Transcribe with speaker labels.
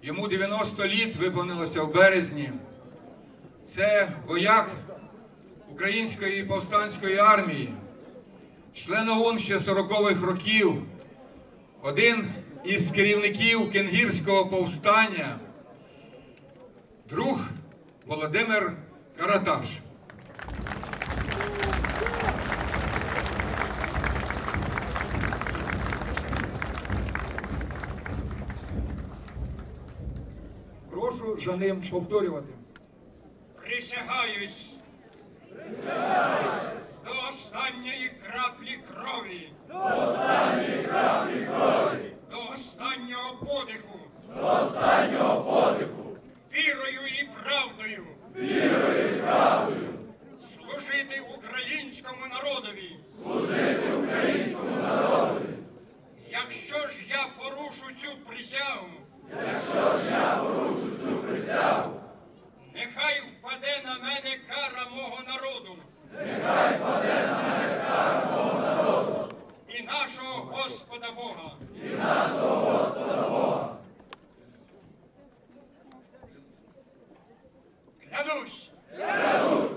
Speaker 1: Йому 90 літ виповнилося в березні. Це вояк Української повстанської армії, член ОУН ще 40-х років, один із керівників Кенгірського повстання, друг Володимир Караташ. Прошу за ним повторювати.
Speaker 2: Присягаюсь до останньої краплі крові, до останнього подиху, вірою і правдою, служити українському народові. Якщо ж я порушу цю присягу, нехай впаде на мене кара мого народу. І нашого Господа Бога. Клянусь.